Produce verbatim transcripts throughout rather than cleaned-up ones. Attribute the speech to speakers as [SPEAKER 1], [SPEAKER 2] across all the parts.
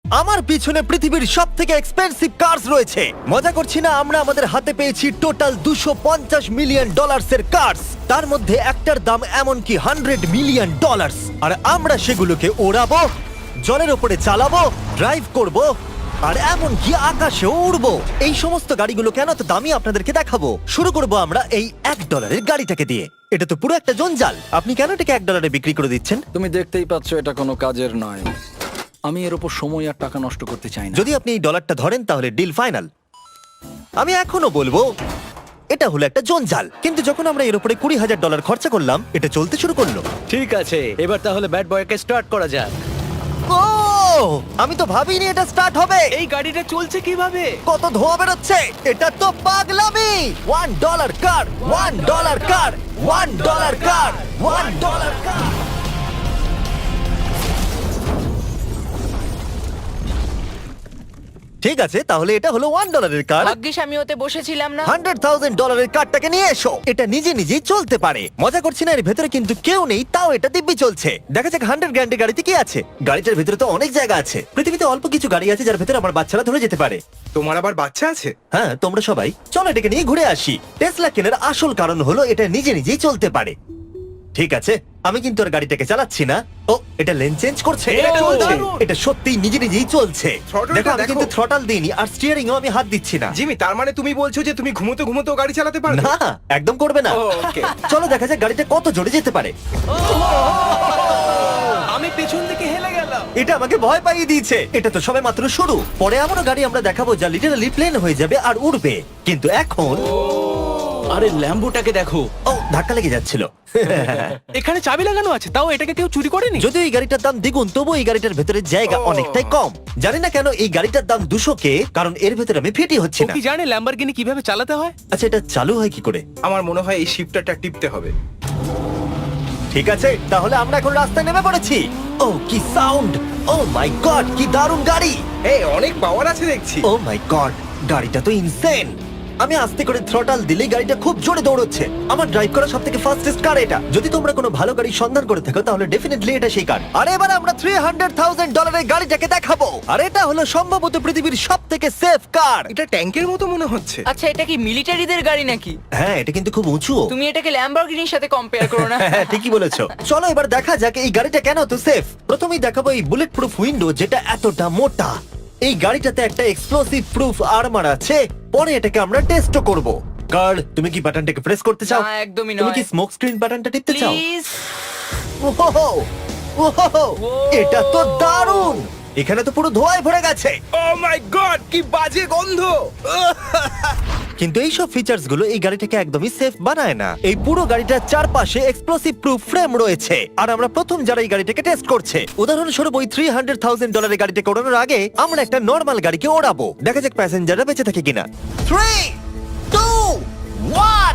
[SPEAKER 1] আমার পিছনে পৃথিবীর সব থেকে এক্সপেন্সিভ কার্স রয়েছে। মজা করছি না, আমরা আমাদের হাতে পেয়েছি টোটাল দুশো পঞ্চাশ মিলিয়ন ডলার্সের কার্স। তার মধ্যে একটার দাম এমনকি হান্ড্রেড মিলিয়ন ডলার্স। আর আমরা সেগুলোকে ওড়াবো, জলের ওপরে চালাবো, ড্রাইভ করব, আর এমনকি আকাশেও উড়বো। এই সমস্ত গাড়িগুলো কেন তো দামি আপনাদেরকে দেখাবো। শুরু করব আমরা এই এক ডলারের গাড়িটাকে দিয়ে। এটা তো পুরো একটা জঞ্জাল। আপনি কেন এটাকে এক ডলারে বিক্রি করে দিচ্ছেন?
[SPEAKER 2] তুমি দেখতেই পাচ্ছ এটা কোনো কাজের নয়। আমি এর উপর সময় আর টাকা নষ্ট করতে চাই না।
[SPEAKER 1] যদি আপনি এই ডলারটা ধরেন তাহলে ডিল ফাইনাল। আমি এখনো বলবো এটা হলো একটা জঞ্জাল, কিন্তু যখন আমরা এর উপরে কুড়ি হাজার ডলার খরচা করলাম এটা চলতে শুরু করলো।
[SPEAKER 3] ঠিক আছে, এবার তাহলে ব্যাড বয়কে স্টার্ট করা যাক।
[SPEAKER 1] ও, আমি তো ভাবিনি এটা স্টার্ট হবে।
[SPEAKER 3] এই গাড়িটা চলছে কিভাবে?
[SPEAKER 1] কত ধোঁয়া বেরোচ্ছে, এটা তো পাগলামি। One dollar car, one dollar car, one dollar car, one dollar car. ঠিক আছে, তাহলে এটা হলো ওয়ান ডলারের কার।
[SPEAKER 4] ভাগ্যিস আমি ওতে বসেছিলাম না।
[SPEAKER 1] হান্ড্রেড থাউজেন্ড ডলারের কারটাকে নিয়ে এসো। এটা নিজে নিজেই চলতে পারে। মজা করছি না, এর ভেতরে কিন্তু কেউ নেই, তাও এটা দিব্যি চলছে। দেখা যাক হান্ড্রেড গ্র্যান্ডের গাড়িতে কি আছে। গাড়িটার ভেতরে তো অনেক জায়গা আছে। পৃথিবীতে অল্প কিছু গাড়ি আছে যার ভেতরে আমার বাচ্চারা ধরে যেতে পারে।
[SPEAKER 5] তোমার আবার বাচ্চা আছে?
[SPEAKER 1] হ্যাঁ, তোমরা সবাই চলো এটাকে নিয়ে ঘুরে আসি। টেসলা কেনার আসল কারণ হলো এটা নিজে নিজেই চলতে পারে। ঠিক আছে, আমি কিন্তু আর গাড়িটাকে চালাচ্ছি না। ও, এটা লেন চেঞ্জ করছে।
[SPEAKER 3] এটা চলছে।
[SPEAKER 1] এটা সত্যিই নিজে নিজেই চলছে।
[SPEAKER 5] Throttle-টা
[SPEAKER 1] দেখো, আমি
[SPEAKER 5] দেখো।
[SPEAKER 1] কিন্তু থ্রটাল দিইনি আর স্টিয়ারিংও আমি হাত দিচ্ছি না।
[SPEAKER 5] জিমি, তার মানে তুমি বলছো যে তুমি ঘুমোতে ঘুমোতেও গাড়ি চালাতে পারবে?
[SPEAKER 1] না, একদম করবে না।
[SPEAKER 5] ও, okay.
[SPEAKER 1] চলো দেখা যাক গাড়িটা কত জোরে যেতে পারে।
[SPEAKER 3] আমি পেছন থেকে হেলে গেলাম।
[SPEAKER 1] এটা আমাকে ভয় পাইয়ে দিয়েছে। এটা তো সবে মাত্র শুরু। পরে এমনও গাড়ি আমরা দেখাবো যা লিটারালি প্লেন হয়ে যাবে আর উড়বে। কিন্তু এখন
[SPEAKER 3] আরে ল্যাম্বোটাকে দেখো,
[SPEAKER 1] ও, ধাক্কা লেগে যাচ্ছিল।
[SPEAKER 3] এখানে চাবি লাগানো আছে, তাও এটাকে কেউ চুরি করেনি।
[SPEAKER 1] যদিও এই গাড়িটার দাম দ্বিগুণ, তবু এই গাড়িটার ভেতরে জায়গা
[SPEAKER 5] ও।
[SPEAKER 1] অনেকটাই কম। জানি না কেন এই গাড়িটার দাম দুশো কে, কারণ এর ভেতরে আমি ফিটি হচ্ছি
[SPEAKER 3] ও
[SPEAKER 1] না।
[SPEAKER 3] কি জানে ল্যাম্বরগিনি কিভাবে চালাতে হয়?
[SPEAKER 1] আচ্ছা, এটা চালু হয় কি করে?
[SPEAKER 5] আমার মনে হয় এই শিফটারটা টিপতে হবে।
[SPEAKER 1] ঠিক আছে, তাহলে আমরা এখন রাস্তায় নেমে পড়েছি। ও কি সাউন্ড! ও মাই গড, কি দারুণ গাড়ি!
[SPEAKER 5] এই অনেক পাওয়ার আছে দেখছি।
[SPEAKER 1] ও মাই গড, গাড়িটা তো ইনসেন। আমি আস্তে করে থ্রটাল দিলেই গাড়িটা খুব জোরে দৌড়চ্ছে। আমার ড্রাইভ করা সবথেকে ফাস্টেস্ট কার এটা। যদি তোমরা কোনো ভালো গাড়ি সন্ধান করে থাকো তাহলে ডেফিনেটলি এটা সেই কার। আর এবার আমরা থ্রি হান্ড্রেড থাউজেন্ড ডলারের গাড়িটাকে দেখাবো। আর এটা হলো সম্ভবত পৃথিবীর সবথেকে সেফ কার।
[SPEAKER 5] এটা ট্যাঙ্কের মতো মনে হচ্ছে।
[SPEAKER 4] আচ্ছা, এটা কি মিলিটারিদের গাড়ি নাকি?
[SPEAKER 1] হ্যাঁ, এটা কিন্তু খুব উঁচু।
[SPEAKER 4] তুমি এটাকে ল্যাম্বরগিনির সাথে কম্পেয়ার করো না।
[SPEAKER 1] হ্যাঁ, ঠিকই বলেছো। চলো এবার দেখা যাক এই গাড়িটা কেন তো সেফ। প্রথমেই দেখাবো এই বুলেট প্রুফ উইন্ডো, যেটা এতটা মোটা। এই গাড়িটাতে একটা এক্সপ্লোসিভ প্রুফ আর্মার আছে। পরে এটাকে আমরা টেস্টও করব। কার্ল, তুমি কি বাটনটাকে প্রেস করতে চাও?
[SPEAKER 4] না, একদমই
[SPEAKER 1] তুমি
[SPEAKER 4] নয়।
[SPEAKER 1] কি স্মোক স্ক্রিন বাটনটা টিপতে চাও?
[SPEAKER 4] প্লিজ।
[SPEAKER 1] ওহো, ওহো, এটা তো দারুণ। এখানে তো পুরো ধোঁয়ায় ভরে গেছে।
[SPEAKER 5] ও মাই গড, কি বাজে গন্ধ!
[SPEAKER 1] কিন্তু এই সব ফিচার্স গুলো এই গাড়িটাকে একদমই সেফ বানায় না। এই পুরো গাড়িটার চারপাশে এক্সপ্লোসিভ প্রুফ ফ্রেম রয়েছে। আর আমরা প্রথম যারা এই গাড়িটাকে টেস্ট করছে, উদাহরণস্বরূপ ওই থ্রি হান্ড্রেড থাউজেন্ড ডলারের গাড়িটাকে ওড়ানোর আগে আমরা একটা নর্মাল গাড়িকে ওড়াবো। দেখা যাক প্যাসেঞ্জাররা বেঁচে থাকে কিনা। Three, two, one.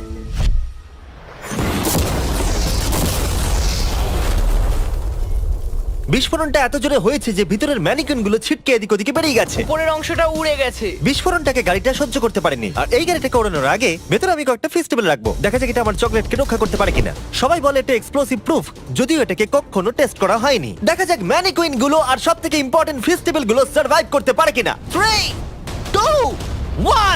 [SPEAKER 1] বিস্ফোরণটা এত জোরে হয়েছে যে ভিতরের ম্যানিকুইন গুলো ছিটকে এদিক ওদিকে বেরিয়ে গেছে।
[SPEAKER 4] উপরের অংশটা উড়ে গেছে।
[SPEAKER 1] বিস্ফোরণটাকে গাড়িটা সহ্য করতে পারেনি। আর এই গাড়িটাকে ওড়ানোর আগে ভেতরে আমি কয়েকটা ফেস্টিভ্যাল রাখবো। দেখা যাক এটা আমার চকলেটকে রক্ষা করতে পারে কিনা। সবাই বলে এটা এক্সপ্লোসিভ প্রুফ, যদিও এটাকে কখনো টেস্ট করা হয়নি। দেখা যাক ম্যানিকুইন গুলো আর সব থেকে ইম্পর্টেন্ট ফেস্টিভ্যাল গুলো সার্ভাইভ করতে পারে কিনা। Three, two, one.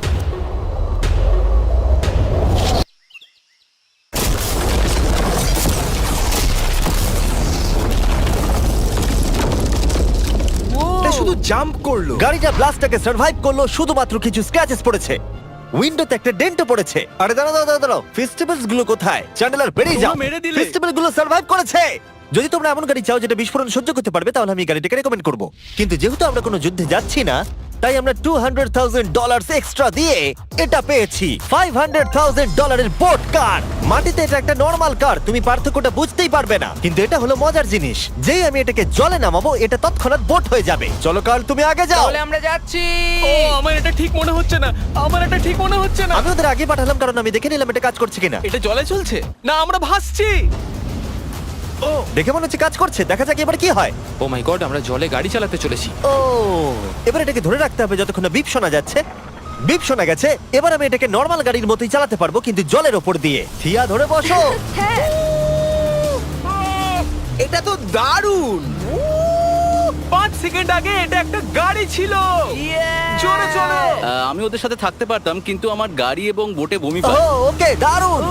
[SPEAKER 5] এটা শুধু জাম্প করলো।
[SPEAKER 1] গাড়িটা ব্লাস্টটাকে সার্ভাইভ করলো, শুধুমাত্র কিছু স্ক্র্যাচেস পড়েছে। উইন্ডোতে একটা ডেন্টও পড়েছে। আরে দাঁড়াও দাঁড়াও দাঁড়াও, ফেস্টিভ্যালস গুলো কোথায়? চ্যান্ডেলার বেরিয়ে যাও।
[SPEAKER 3] তোমরা মেরে দিলে।
[SPEAKER 1] ফেস্টিভ্যাল গুলো সার্ভাইভ করেছে। যদি তোমরা এমন গাড়ি চাও যেটা বিস্ফোরণ সহ্য করতে পারবে তাহলে আমি এই গাড়িটাকে রেকমেন্ড করব। কিন্তু যেহেতু আমরা কোনো যুদ্ধে যাচ্ছি না, তাই আমরা two hundred thousand dollar extra দিয়ে এটা পেয়েছি। ফাইভ হান্ড্রেড থাউজেন্ড ডলারের বোট কার। মাটিতে এটা একটা নর্মাল কার, তুমি পার্থক্যটা বুঝতেই পারবে না। কিন্তু এটা হলো মজার জিনিস, যেই আমি এটাকে জলে নামাবো এটা তৎক্ষণাৎ বোট হয়ে যাবে। চলো কার্ল, তুমি আগে যাও।
[SPEAKER 4] তাহলে আমরা যাচ্ছি।
[SPEAKER 3] ও, আমার এটা ঠিক মনে হচ্ছে না, আমার এটা ঠিক মনে হচ্ছে না।
[SPEAKER 1] আমি ওদের আগে পাঠালাম কারণ আমি দেখে নিলাম এটা কাজ করছে কিনা।
[SPEAKER 3] এটা জলে চলছে না, আমরা ভাসছি। ও,
[SPEAKER 1] দেখে মনে হচ্ছে কাজ করছে। দেখা যাক এবার কি হয়।
[SPEAKER 6] ও মাই গড, আমরা জলে গাড়ি চালাতে চলেছি।
[SPEAKER 1] ও, এবার এটাকে ধরে রাখতে হবে যতক্ষণ না বিপ শোনা যাচ্ছে। বিপ শোনা গেছে। এবার আমি এটাকে নর্মাল গাড়ির মতোই চালাতে পারবো, কিন্তু জলের ওপর দিয়ে। থিয়া, ধরে বসো।
[SPEAKER 4] হ্যাঁ।
[SPEAKER 5] এটা তো দারুণ!
[SPEAKER 3] পাঁচ সেকেন্ড আগে এটা একটা গাড়ি ছিল। জোরে চলো।
[SPEAKER 2] আহ, আমি ওদের সাথে থাকতে পারতাম কিন্তু আমার গাড়ি এবং বোটে বমি
[SPEAKER 1] ও
[SPEAKER 2] পায়।
[SPEAKER 1] ওকে দারুণ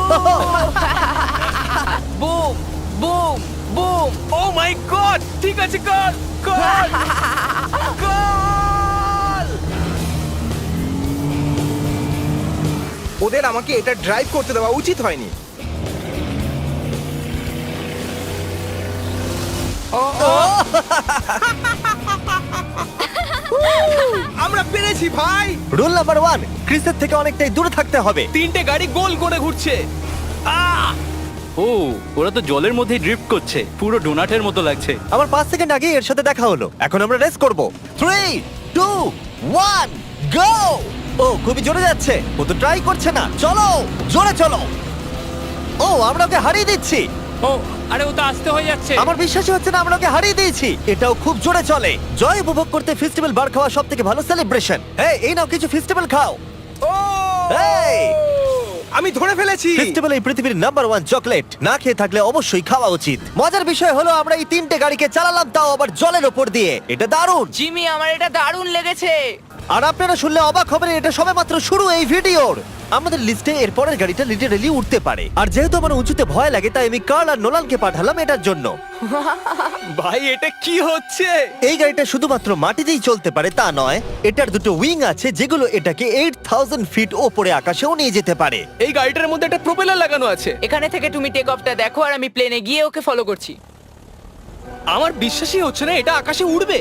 [SPEAKER 4] boom boom boom.
[SPEAKER 3] Oh my god, ঠিক আছে, কর কর কর।
[SPEAKER 5] ওদের আমাকে এটা ড্রাইভ করতে দেওয়া উচিত হয়নি। আমরা পেরেছি ভাই।
[SPEAKER 1] রুল নাম্বার ওয়ান, ক্রিসের থেকে অনেকটাই দূরে থাকতে হবে।
[SPEAKER 3] তিনটে গাড়ি গোল করে ঘুরছে। আহ!
[SPEAKER 2] ও ওরা তো জলের মধ্যে ড্রিফট করছে, পুরো ডোনাটের মতো লাগছে।
[SPEAKER 1] আমার পাঁচ সেকেন্ড আগে এর সাথে দেখা হলো। এখন আমরা রেস করব। Three two one go. ও খুবই জোরে যাচ্ছে, ও তো ট্রাই করছে না। চলো জোরে চলো। ও আমরা ওকে হারিয়ে দিচ্ছি।
[SPEAKER 6] ও আরে ও তো আসতে হয়ে যাচ্ছে।
[SPEAKER 1] আমার বিশ্বাসই হচ্ছে না আমরা ওকে হারিয়ে দিয়েছি। এটাও খুব জোরে চলে। জয় উপভোগ করতে ফেস্টিভ্যাল বার খাওয়া সব থেকে ভালো সেলিব্রেশন। এই এই নাও কিছু ফেস্টিভ্যাল খাও।
[SPEAKER 5] ও
[SPEAKER 1] এই!
[SPEAKER 5] আমি ধরে ফেলেছি।
[SPEAKER 1] ফেস্টিভ্যাল এই পৃথিবীর নাম্বার ওয়ান চকলেট। না খেয়ে থাকলে অবশ্যই খাওয়া উচিত। মজার বিষয় হলো আমরা এই তিনটে গাড়িকে চালালাম, তাও আবার জলের ওপর দিয়ে। এটা দারুণ।
[SPEAKER 4] জিমি, আমার এটা দারুণ লেগেছে।
[SPEAKER 1] আর আপনারা শুনলে অবাক হবেন, এটা সবেমাত্র শুরু এই ভিডিওর। আমাদের লিস্টে এর পরের গাড়িটা লিটারালি উঠতে পারে। আর যেহেতু আমার উঁচুতে ভয় লাগে, তাই আমি কার্ল আর নোলানকে পাঠালাম এটার জন্য।
[SPEAKER 3] ভাই এটা কি হচ্ছে?
[SPEAKER 1] এই গাড়িটা শুধুমাত্র মাটিতেই চলতে পারে তা নয়, এটার দুটো উইং আছে যেগুলো এটাকে আট হাজার ফিট ওপরে আকাশেও নিয়ে যেতে পারে।
[SPEAKER 3] এই গাড়িটার মধ্যে একটা প্রপেলার লাগানো আছে।
[SPEAKER 4] এখানে থেকে তুমি টেক অফটা দেখো আর আমি প্লেনে গিয়ে ওকে ফলো করছি।
[SPEAKER 3] আমার বিশ্বাসই হচ্ছে না এটা আকাশে উড়বে।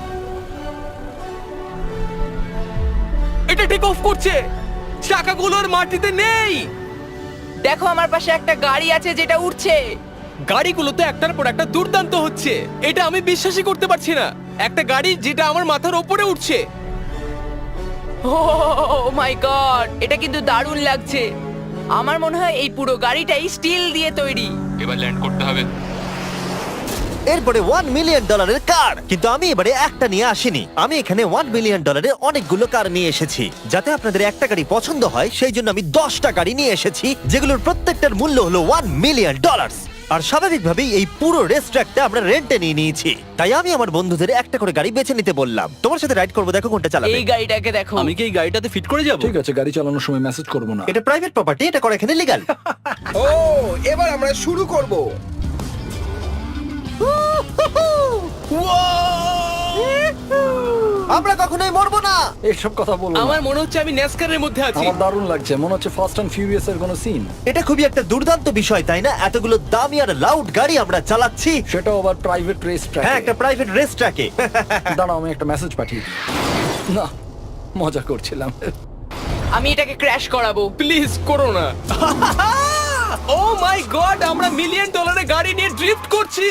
[SPEAKER 3] এটা টেক অফ করছে, চাকাগুলোর মাটিতে নেই।
[SPEAKER 4] দেখো আমার পাশে একটা গাড়ি আছে যেটা উঠছে।
[SPEAKER 3] গাড়িগুলোতে একটার পর একটা দুর্দান্ত হচ্ছে। এটা আমি বিশ্বাসই করতে পারছি না, একটা গাড়ি যেটা আমার মাথার ওপরে উঠছে।
[SPEAKER 4] ও মাই গড, এটা কিন্তু দারুণ লাগছে। আমার মনে হয় এই পুরো গাড়িটাই স্টিল দিয়ে তৈরি।
[SPEAKER 6] এবার ল্যান্ড করতে হবে।
[SPEAKER 1] এরপরে ওয়ান মিলিয়ন ডলারের কার। কিন্তু আমি এবারে একটা নিয়ে আসিনি, আমি এখানে ওয়ান মিলিয়ন ডলারের অনেকগুলো কার নিয়ে এসেছি। যাতে আপনাদের একটা গাড়ি পছন্দ হয় সেই জন্য আমি দশটা গাড়ি নিয়ে এসেছি, যেগুলোর প্রত্যেকটার মূল্য হলো ওয়ান মিলিয়ন ডলার। আর স্বাভাবিকভাবেই এই পুরো রেস ট্র্যাকটা আমরা রেন্টে নিয়ে নিয়েছি। তাই আমি আমার বন্ধুদের একটা করে গাড়ি বেছে নিতে বললাম। তোমার সাথে রাইড করবো, দেখো কোনটা চালাবে।
[SPEAKER 4] এই গাড়িটাকে দেখো।
[SPEAKER 2] আমি কি এই গাড়িটাতে ফিট করে যাব?
[SPEAKER 7] ঠিক আছে, গাড়ি চালানোর সময় মেসেজ করবো না।
[SPEAKER 1] এটা প্রাইভেট প্রপার্টি, এটা করা এখানে লিগ্যাল।
[SPEAKER 5] ও এবার আমরা শুরু করব।
[SPEAKER 1] আমরা কখনোই মরবো না।
[SPEAKER 7] এইসব কথা বলবো না।
[SPEAKER 3] আমার মনে হচ্ছে আমি ন্যাসকারের মধ্যে আছি।
[SPEAKER 7] আমার দারুণ লাগছে, মনে হচ্ছে ফার্স্ট অ্যান্ড ফিউরিয়াস এর কোনো সিন।
[SPEAKER 1] এটা খুবই একটা দুর্দান্ত বিষয়, তাই না? এতগুলো দামি আর লাউড গাড়ি আমরা চালাচ্ছি।
[SPEAKER 7] সেটাও আবার প্রাইভেট রেস ট্র্যাক।
[SPEAKER 1] হ্যাঁ, একটা প্রাইভেট রেস ট্র্যাকে।
[SPEAKER 7] দাঁড়াও, আমি একটা মেসেজ পাঠিয়ে দিই। না, মজা করছিলাম।
[SPEAKER 4] আমি এটাকে ক্র্যাশ করাবো।
[SPEAKER 3] প্লিজ করো না। ও মাই গড, আমরা মিলিয়ন ডলারের গাড়ি নিয়ে ড্রিফট করছি।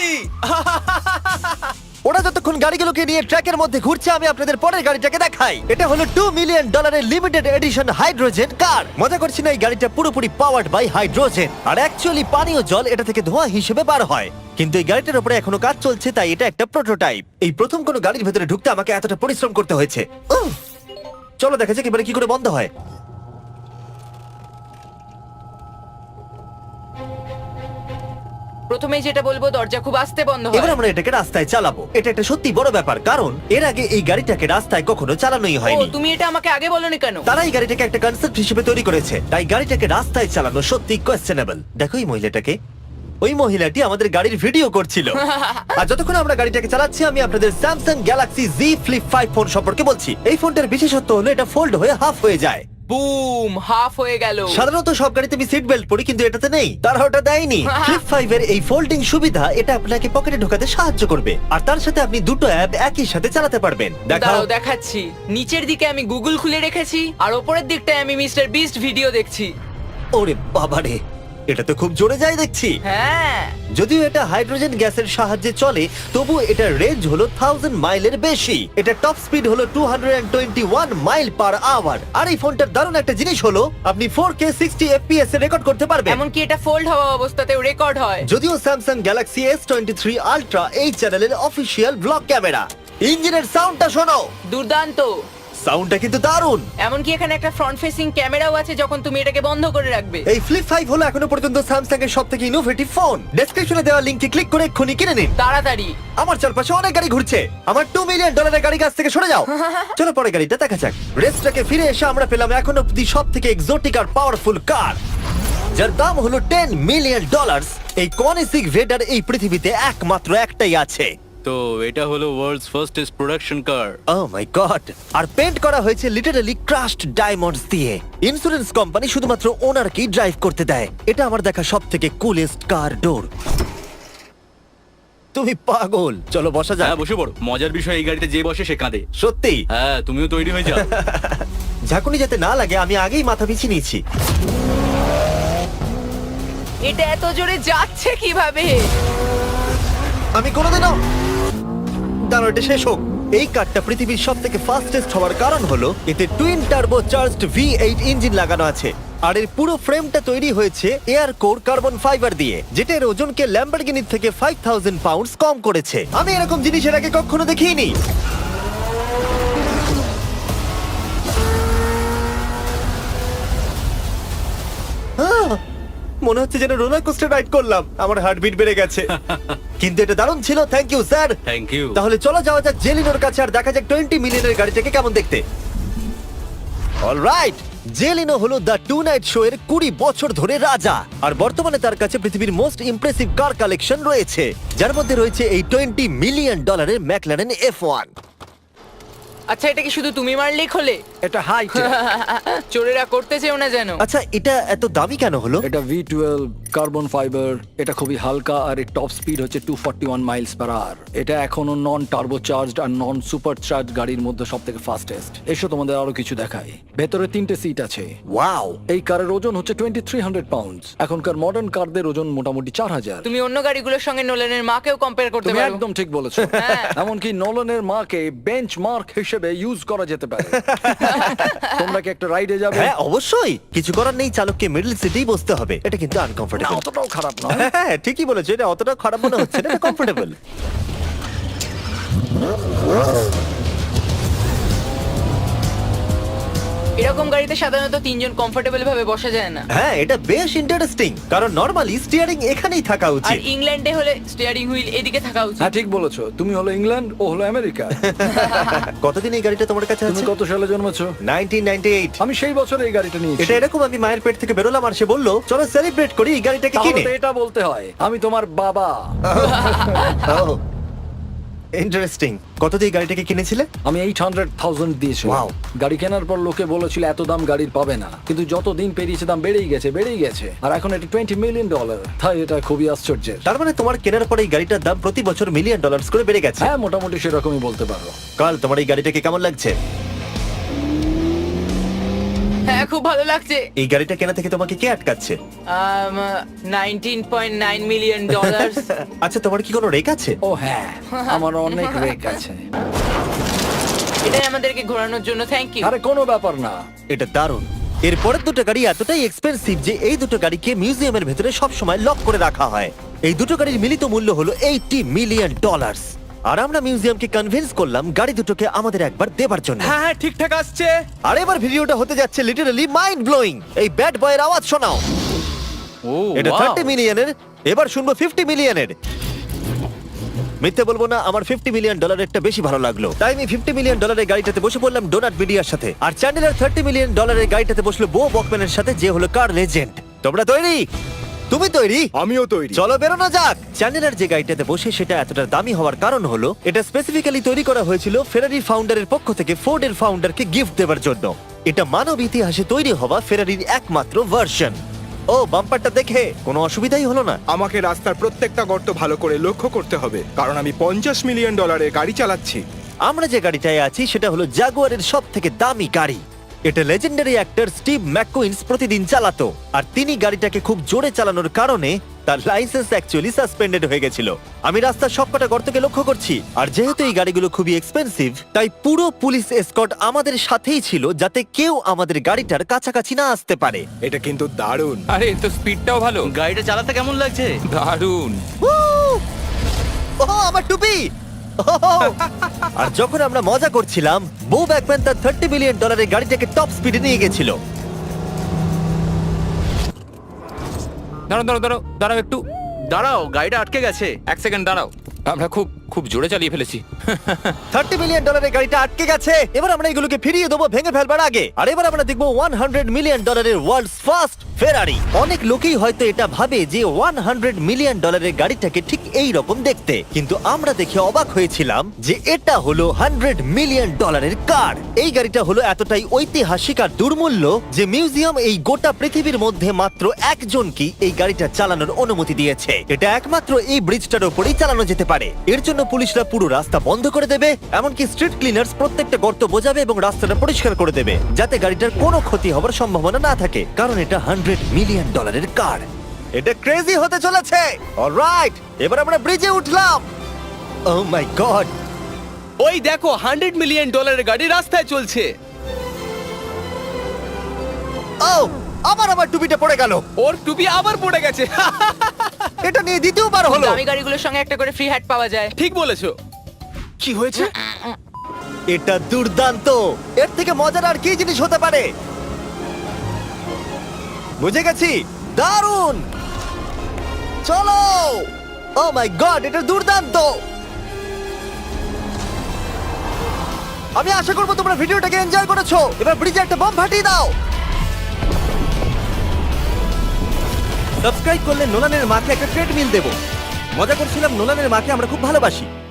[SPEAKER 1] ওরা যতক্ষণ গাড়িগুলোকে নিয়ে ট্র্যাকের মধ্যে ঘুরছে, আমি আপনাদের পরের গাড়িটাকে দেখাই। এটা হলো টু মিলিয়ন ডলারের লিমিটেড এডিশন হাইড্রোজেন কার। মজা করছি না, এই গাড়িটা পুরোপুরি পাওয়ার্ড বাই হাইড্রোজেন। আর অ্যাকচুয়ালি পানীয় জল এটা থেকে ধোঁয়া হিসেবে বার হয়। কিন্তু এই গাড়িটার উপরে এখনো কাজ চলছে, তাই এটা একটা প্রোটোটাইপ। এই প্রথম কোনো গাড়ির ভেতরে ঢুকতে আমাকে এতটা পরিশ্রম করতে হয়েছে। উফ! চলো দেখা যাক এবারে কি করে বন্ধ হয়।
[SPEAKER 4] প্রথমেই যেটা বলবো, দরজা খুব আস্তে বন্ধ
[SPEAKER 1] এবার
[SPEAKER 4] হয়।
[SPEAKER 1] আমরা এটাকে রাস্তায় চালাবো। এটা একটা সত্যি বড় ব্যাপার, কারণ এর আগে এই গাড়িটাকে রাস্তায় কখনো চালানোই
[SPEAKER 4] ও,
[SPEAKER 1] হয়নি।
[SPEAKER 4] তুমি এটা আমাকে আগে বলনি কেন?
[SPEAKER 1] তারা এই গাড়িটাকে একটা কনসেপ্ট হিসেবে তৈরি করেছে, তাই গাড়িটাকে রাস্তায় চালানো সত্যি কোয়েশ্চেনেবল। দেখো এই মহিলাটাকে, ওই মহিলাটি আমাদের গাড়ির ভিডিও করছিল। আর যতক্ষণ আমরা গাড়িটাকে চালাচ্ছি, আমি আপনাদের Samsung Galaxy Z Flip five phone সম্পর্কে বলছি। এই ফোনটার বিশেষত্ব হলো এটা ফোল্ড হয়ে হাফ হয়ে যায়।
[SPEAKER 4] বুম, হাফ হয়ে গেল।
[SPEAKER 1] সাধারণত সব গাড়িতে আমি সিট বেল্ট পরি, কিন্তু এটাতে নেই। তারা ওটা দেয়নি। ফ্লিপ ফাইভ এর এই ফোল্ডিং সুবিধা, এটা আপনাকে পকেটে ঢোকাতে সাহায্য করবে। আর তার সাথে আপনি দুটো অ্যাপ একই সাথে চালাতে পারবেন। দেখাও।
[SPEAKER 4] দাঁড়াও দেখাচ্ছি। নিচের দিকে আমি গুগল খুলে রেখেছি, আর ওপরের দিকটায় আমি মিস্টার বিস্ট ভিডিও দেখছি।
[SPEAKER 1] ওরে বাবারে, এটা তো খুব জোরে যায় দেখছি।
[SPEAKER 4] হ্যাঁ,
[SPEAKER 1] যদিও এটা হাইড্রোজেন গ্যাসের সাহায্যে চলে, তবু এটার রেঞ্জ হলো থাউজেন্ড মাইলের বেশি। এটা টপ স্পিড হলো two twenty one mile per hour. আর এই ফোনটার দারুণ একটা জিনিস হলো, আপনি ফোর কে সিক্সটি এফপিএস এ রেকর্ড করতে পারবেন।
[SPEAKER 4] এমনকি এটা ফোল্ড হওয়া অবস্থাতেও রেকর্ড হয়।
[SPEAKER 1] যদিও Samsung Galaxy S twenty three Ultra এই চ্যানেলের অফিসিয়াল ব্লগ ক্যামেরা। ইঞ্জিনের সাউন্ডটা শোনো।
[SPEAKER 4] দুর্দান্ত।
[SPEAKER 1] সাউন্ডটা কিন্তু দারুণ।
[SPEAKER 4] এমনকি এখানে একটা ফ্রন্ট ফেসিং ক্যামেরাও আছে যখন তুমি এটাকে বন্ধ করে রাখবে।
[SPEAKER 1] এই ফ্লিপ ফাইভ হলো এখনো পর্যন্ত স্যামসাং এর সবথেকে ইনোভেটিভ ফোন। ডেসক্রিপশনে দেওয়া লিংকে ক্লিক করে এক্ষুনি কিনে নিন।
[SPEAKER 4] তাড়াতাড়ি।
[SPEAKER 1] আমার চারপাশে অনেক গাড়ি ঘুরছে। আমার টু মিলিয়ন ডলারের গাড়ি কাছ থেকে সরে যাও। চলো পরে গাড়িটা দেখা যাক। রেসটাকে ফিরে এসে আমরা পেলাম এখন অব্দি সব থেকে এক্সোটিক আর পাওয়ারফুল কার, যার দাম হলো টেন মিলিয়ন ডলার। এই কনিসিক ভেডার এই পৃথিবীতে একমাত্র একটাই আছে।
[SPEAKER 8] তো এটা হলো world's fastest production car.
[SPEAKER 1] Oh my God! আর পেন্ট করা হয়েছে লিটারালি ক্রাশড ডায়মন্ডস দিয়ে। ইন্স্যুরেন্স কোম্পানি শুধুমাত্র ওনারকেই ড্রাইভ করতে দেয়। এটা আমার দেখা সব থেকে কুলেস্ট কার ডোর। তুমি পাগল। চলো বসা যাক।
[SPEAKER 8] হ্যাঁ বসে পড়ো। মজার বিষয় এই গাড়িতে যে বসে সে কাঁদে।
[SPEAKER 1] সত্যি
[SPEAKER 8] হ্যাঁ তুমিও তৈরি হয়ে যাও।
[SPEAKER 1] ঝাঁকুনি যাতে না লাগে আমি আগেই মাথা পিছিয়ে নিয়েছি।
[SPEAKER 4] এটা এত জোরে যাচ্ছে কিভাবে?
[SPEAKER 1] আমি কোনোদিনও দাঁড়ো, এটা শেষ হোক। এই কারটা পৃথিবীর সব থেকে ফাস্টেস্ট হওয়ার কারণ হলো এতে twin turbo charged V eight engine লাগানো আছে। আর এর পুরো ফ্রেমটা তৈরি হয়েছে এয়ার কোর কার্বন ফাইবার দিয়ে, যেটা এর ওজনকে ল্যাম্বরগিনির থেকে ফাইভ থাউজেন্ড পাউন্ডস কম করেছে। আমি এরকম জিনিস এর আগে কখনো দেখিনি। আহ! মনে হচ্ছে যেন রোলার কোস্টার রাইড করলাম। আমার হার্টবিট বেড়ে গেছে। কিন্তু এটা দারুণ ছিল। Thank you sir.
[SPEAKER 8] Thank you.
[SPEAKER 1] তাহলে চলো যাওয়া যাক জেলিনোর কাছে আর দেখা যাক টোয়েন্টি মিলিয়নের গাড়িটাকে কেমন দেখতে। অলরাইট, জেলিনো হলো দ্য টু নাইট শো এর কুড়ি বছর ধরে রাজা। আর বর্তমানে তার কাছে পৃথিবীর মোস্ট ইমপ্রেসিভ কার কালেকশন রয়েছে, যার মধ্যে রয়েছে এই টোয়েন্টি মিলিয়ন ডলারের ম্যাকলারেন এফ ওয়ান।
[SPEAKER 4] আচ্ছা, এটা কি শুধু তুমি মারলেই খোলে?
[SPEAKER 7] এটা হাই
[SPEAKER 4] চোরেরা করতে চেও না যেন।
[SPEAKER 1] আচ্ছা, এটা এত দামি কেন হলো?
[SPEAKER 7] এটা ভি টুয়েলভ কার্বন ফাইবার। এটা খুবই হালকা আর এর টপ স্পিড হচ্ছে two forty one miles per hour. এটা এখনো নন টার্বো চার্জড আর নন সুপার চার্জ গাড়ির মধ্যে সব থেকে ফাস্টেস্ট। এসো তোমাদের আরো কিছু দেখাই। ভেতরে তিনটে সিট আছে।
[SPEAKER 1] ওয়াও!
[SPEAKER 7] এই কারের ওজন হচ্ছে টোয়েন্টি থ্রি হান্ড্রেড পাউন্ডস। এখনকার মডার্ন কারদের ওজন মোটামুটি চার হাজার।
[SPEAKER 4] তুমি অন্য গাড়িগুলোর সঙ্গে নোলেনের মাকেও কম্পেয়ার করতে
[SPEAKER 7] তুমি
[SPEAKER 4] পারো।
[SPEAKER 7] একদম ঠিক বলেছো।
[SPEAKER 4] হ্যাঁ।
[SPEAKER 7] এমনকি নোলানের মাকে বেঞ্চ মার্ক হিসেবে ইউজ করা যেতে পারে। তোমরা কি একটা রাইডে যাবে?
[SPEAKER 1] হ্যাঁ অবশ্যই। কিছু করার নেই, চালককে মিডল সিটেই বসতে হবে। এটা কিন্তু
[SPEAKER 7] না,
[SPEAKER 1] আনকমফোর্টেবল।
[SPEAKER 7] অতটাও খারাপ নয়।
[SPEAKER 1] হ্যাঁ ঠিকই বলেছো, এটা অতটা খারাপ মনে হচ্ছে না, এটা কমফোর্টেবল।
[SPEAKER 4] এরকম গাড়িতে সাধারণত তিনজন কমফোর্টেবল ভাবে বসা যায় না।
[SPEAKER 1] হ্যাঁ এটা বেশ ইন্টারেস্টিং, কারণ নরমালি স্টিয়ারিং এখানেই থাকা
[SPEAKER 4] আর
[SPEAKER 1] উচিত।
[SPEAKER 4] ইংল্যান্ডে হলে স্টিয়ারিং হুইল এদিকে থাকা উচিত।
[SPEAKER 7] হ্যাঁ ঠিক বলেছো। তুমি হলো ইংল্যান্ড, ও হলো আমেরিকা।
[SPEAKER 1] কতদিন এই গাড়িটা তোমার কাছে
[SPEAKER 7] তুমি
[SPEAKER 1] আছে?
[SPEAKER 7] কত সালে জন্মেছো?
[SPEAKER 1] Nineteen ninety eight.
[SPEAKER 7] আমি সেই বছর এই গাড়িটা নিয়েছি।
[SPEAKER 1] এটা এরকম, আমি মায়ের পেট থেকে বেরোলাম আর সে বললো চলো সেলিব্রেট করি এই গাড়িটাকে
[SPEAKER 7] তাহলে
[SPEAKER 1] কিনে।
[SPEAKER 7] তো এটা বলতে হয় আমি তোমার বাবা।
[SPEAKER 1] ইন্টারেস্টিং। কত দিয়ে এই গাড়িটাকে কিনেছিলে?
[SPEAKER 7] আমি এইট হান্ড্রেড থাউজেন্ড দিয়েছি।
[SPEAKER 1] Wow.
[SPEAKER 7] গাড়ি কেনার পর লোকে বলেছিল এত দাম গাড়ির পাবে না, কিন্তু যত দিন পেরিয়েছে দাম বেড়েই গেছে বেড়েই গেছে আর এখন এটা টোয়েন্টি মিলিয়ন ডলার। তাই এটা খুবই আশ্চর্যের।
[SPEAKER 1] তার মানে তোমার কেনার পরে এই গাড়িটার দাম প্রতি বছর মিলিয়ন ডলার্স করে বেড়ে গেছে।
[SPEAKER 7] হ্যাঁ মোটামুটি সেরকমই বলতে পারো।
[SPEAKER 1] কাল তোমার এই গাড়িটাকে কেমন লাগছে?
[SPEAKER 4] হ্যাঁ খুব ভালো লাগছে।
[SPEAKER 1] এই গাড়িটা কেনা থেকে তোমাকে কে আটকাচ্ছে?
[SPEAKER 4] Nineteen point nine million dollar.
[SPEAKER 1] আচ্ছা তোমার কি কোনো রেক আছে?
[SPEAKER 7] ও হ্যাঁ, আমার অনেক রেক আছে।
[SPEAKER 4] এটাই আমাদেরকে ঘোরানোর জন্য থ্যাংক ইউ।
[SPEAKER 7] আরে কোনো ব্যাপার না।
[SPEAKER 1] এটা দারুণ। এর পরের দুটো গাড়ি এতটাই এক্সপেন্সিভ যে এই দুটো গাড়িকে মিউজিয়ামের ভেতরে সব সময় লক করে রাখা হয়। এই দুটো গাড়ির মিলিত মূল্য হলো এইটি মিলিয়ন ডলার। আর আমরা মিউজিয়ামকে কনভিন্স করলাম গাড়ি দুটোকে আমাদের একবার দেবার জন্য।
[SPEAKER 3] হ্যাঁ হ্যাঁ ঠিকঠাক আসছে।
[SPEAKER 1] আর এবার ভিডিওটা হতে যাচ্ছে লিটারালি মাইন্ড ব্লোয়িং। এই ব্যাড বয়ের আওয়াজ শোনাও।
[SPEAKER 8] ও
[SPEAKER 1] এটা
[SPEAKER 8] wow!
[SPEAKER 1] থার্টি মিলিয়নের, এবার শুনবো ফিফটি মিলিয়নের। মিথ্যে বলবো না, আমার ফিফটি মিলিয়ন ডলারেরটা বেশি ভালো লাগলো, তাই আমি ফিফটি মিলিয়ন ডলারের গাড়িটাতে বসে পড়লাম ডোনাট মিডিয়ার সাথে। আর চ্যান্ডেলার থার্টি মিলিয়ন ডলারের গাড়িটাতে বসলো বো বকম্যানের সাথে, যে হলো কার লেজেন্ড। তোমরা তৈরি? তুমি তৈরি?
[SPEAKER 5] আমিও তৈরি।
[SPEAKER 1] চলো বেরোনো যাক। চ্যান্ডেলার যে গাড়িটাতে বসে সেটা এতটা দামি হওয়ার কারণ হলো এটা স্পেসিফিক্যালি তৈরি করা হয়েছিল ফেরারি ফাউন্ডারের পক্ষ থেকে ফোর্ডের ফাউন্ডারকে গিফট দেওয়ার জন্য। এটা মানব ইতিহাসে তৈরি হওয়া ফেরারির একমাত্র ভার্সন। ও বাম্পারটা দেখে কোনো অসুবিধাই হলো না।
[SPEAKER 5] আমাকে রাস্তার প্রত্যেকটা গর্ত ভালো করে লক্ষ্য করতে হবে, কারণ আমি পঞ্চাশ মিলিয়ন ডলারের গাড়ি চালাচ্ছি।
[SPEAKER 1] আমরা যে গাড়িটায় আছি সেটা হলো জাগুয়ারের সব থেকে দামি গাড়ি। এটা লেজেন্ডারি অ্যাক্টর স্টিভ ম্যাককুইন্স প্রতিদিন চালাতো, আর তিনি গাড়িটাকে খুব জোরে চালানোর কারণে তার লাইসেন্স অ্যাকচুয়ালি সাসপেন্ডেড হয়ে গেছিল। আমি রাস্তার সবকটা গর্তকে লক্ষ্য করছি, আর যেহেতু এই গাড়িগুলো খুবই এক্সপেন্সিভ তাই পুরো পুলিশ এসকর্ট আমাদের সাথেই ছিল, যাতে কেউ আমাদের গাড়িটার কাছাকাছি না আসতে পারে।
[SPEAKER 5] এটা কিন্তু দারুণ।
[SPEAKER 6] আরে এর তো স্পিডটাও ভালো।
[SPEAKER 8] গাড়িটা চালাতে কেমন লাগছে?
[SPEAKER 6] দারুণ।
[SPEAKER 1] ও আমার টুপি! আর যখন আমরা মজা করছিলাম, বো ব্যাকম্যান তার থার্টি মিলিয়ন ডলারের গাড়িটাকে টপ স্পিডে নিয়ে গেছিল।
[SPEAKER 6] দাঁড়াও দাঁড়াও দাঁড়াও দাঁড়াও একটু
[SPEAKER 3] দাঁড়াও, গাড়িটা আটকে গেছে।
[SPEAKER 6] এক সেকেন্ড দাঁড়াও। আমরা খুব খুব জোরে চালিয়ে ফেলেছি।
[SPEAKER 1] থার্টি মিলিয়ন ডলারের গাড়িটা আটকে গেছে। এবার আমরা এগুলোকে ফিরিয়ে দেবো ভেঙে ফেলবার আগে। আর এবার আমরা দেখবো হান্ড্রেড মিলিয়ন ডলারের ওয়ার্ল্ডস ফার্স্ট ফেরারি। অনেক লোকেই হয়তো এটা ভাবে যে হান্ড্রেড মিলিয়ন ডলারের গাড়িটাকে ঠিক এই রকম দেখতে, কিন্তু আমরা দেখে অবাক হয়েছিলাম যে এটা হলো হান্ড্রেড মিলিয়ন ডলারের কার। এই গাড়িটা হলো এতটাই ঐতিহাসিক আর দুর্মূল্য যে মিউজিয়াম এই গোটা পৃথিবীর মধ্যে মাত্র একজনকেই এই গাড়িটা চালানোর অনুমতি দিয়েছে। এটা একমাত্র এই ব্রিজটার উপরেই চালানো যেতে পারে। এর জন্য পুলিশরা পুরো রাস্তা বন্ধ করে দেবে, এমনকি স্ট্রিট ক্লিনার্স প্রত্যেকটা গর্ত বোঝাবে এবং রাস্তাটা পরিষ্কার করে দেবে, যাতে গাড়িটার কোনো ক্ষতি হবার সম্ভাবনা না থাকে, কারণ এটা হান্ড্রেড মিলিয়ন ডলারের কার। এটা ক্রেজি হতে চলেছে। অলরাইট, এবার আমরা ব্রিজে উঠলাম। ও মাই গড,
[SPEAKER 3] ওই দেখো, হান্ড্রেড মিলিয়ন ডলারের গাড়ি রাস্তায় চলছে।
[SPEAKER 1] ও আবার আমার টুপিটা পড়ে গেল।
[SPEAKER 3] ওর টুপি আবার পড়ে গেছে।
[SPEAKER 1] এটা নিয়ে দ্বিতীয়বার হলো।
[SPEAKER 4] দামি গাড়িগুলোর সঙ্গে একটা করে ফ্রি হ্যাট পাওয়া যায়।
[SPEAKER 3] ঠিক বলেছো। কি হয়েছে?
[SPEAKER 1] এটা দুর্দান্ত। এর থেকে মজার আর কি জিনিস হতে পারে? বুঝে গেছি, দারুণ। চলো। ও মাই গড, এটা দুর্দান্ত। আমি আশা করবো তোমরা ভিডিওটাকে এনজয় করেছো। এবার ব্রিজে একটা বম ফাটিয়ে দাও। সাবস্ক্রাইব করলে নোলানের মাকে একটা ট্রেডমিল দেবো। মজা করছিলাম, নোলানের মাকে আমরা খুব ভালোবাসি।